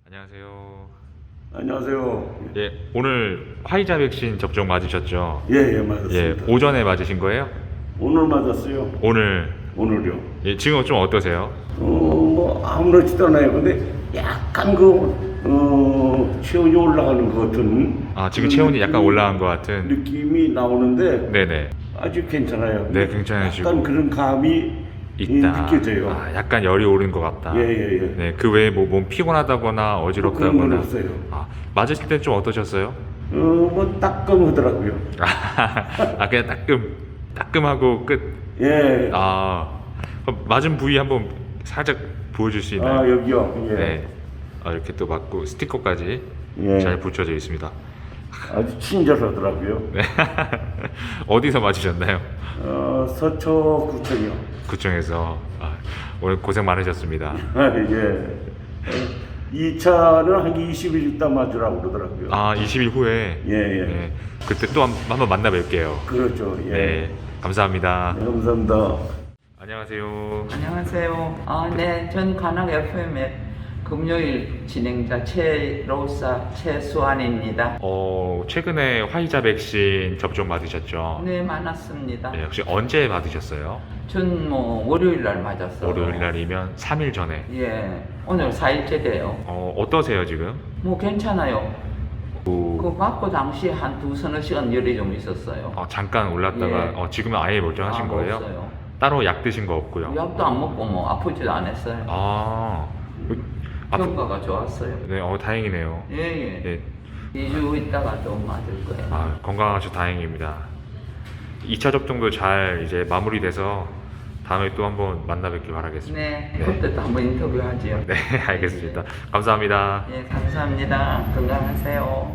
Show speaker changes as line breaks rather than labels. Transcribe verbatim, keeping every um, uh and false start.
안녕하세요.
안녕하세요.
예, 오늘 화이자 백신 접종 맞으셨죠?
예, 예, 맞았습니다.
예, 오전에 맞으신 거예요?
오늘 맞았어요.
오늘.
오늘요.
예, 지금 좀 어떠세요?
어, 뭐 아무렇지도 않아요. 근데 약간 그 어, 체온이 올라가는 것 같은.
아, 지금
그런
체온이 약간
느낌이-
올라간 것 같은.
느낌이 나오는데
네네.
아주 괜찮아요.
네, 괜찮으시고.
약간 그런 감이
있다.
느껴져요.
아, 약간 열이 오른 것 같다.
예, 예, 예.
네, 그 외에 뭐 몸 피곤하다거나
그런 건
어지럽다거나.
없어요.
아, 맞으실 때 좀 어떠셨어요?
어, 뭐 따끔하더라고요.
아, 그냥 따끔, 따끔하고 끝.
예.
아, 그럼 맞은 부위 한번 살짝 보여줄 수 있나요?
아, 여기요. 예.
네. 아, 이렇게 또 맞고 스티커까지
예.
잘 붙여져 있습니다.
아주 친절하더라고요.
네. 어디서 맞으셨나요?
어, 서초구청이요.
구청에서. 아, 오늘 고생 많으셨습니다.
예. 이 차는 한 이십 일 있다 맞으라고 그러더라고요.
아, 이십 일 후에.
예, 예.
네. 그때 또 한, 한번 만나 뵐게요.
그렇죠. 예.
네. 감사합니다.
네, 감사합니다.
안녕하세요.
안녕하세요. 아, 네, 전 관악 에프엠의 금요일 진행자 최로사 최수환입니다.
어, 최근에 화이자 백신 접종 받으셨죠?
네, 많았습니다.
네, 혹시 언제 받으셨어요?
전 뭐 월요일 날 맞았어요.
월요일 날이면 삼 일 전에.
예, 오늘 사 일째 돼요.
어, 어떠세요, 지금?
뭐 괜찮아요.
그,
그 맞고 당시에 한 두 서너 시간 열이 좀 있었어요.
어, 잠깐 올랐다가
예.
어, 지금은 아예 멀쩡하신
아,
거예요?
없어요.
따로 약 드신 거 없고요.
약도 안 먹고 뭐 아프지도 않았어요.
아, 그, 아프-
효과가 좋았어요.
네, 어, 다행이네요.
예, 예.
네,
이 주 있다가 좀 맞을 거예요.
아, 건강하셔 다행입니다. 이 차 접종도 잘 이제 마무리돼서 다음에 또 한번 만나 뵙길 바라겠습니다.
네,
네.
그때 또 한번 인터뷰하지요.
네, 알겠습니다. 감사합니다.
예, 감사합니다. 건강하세요.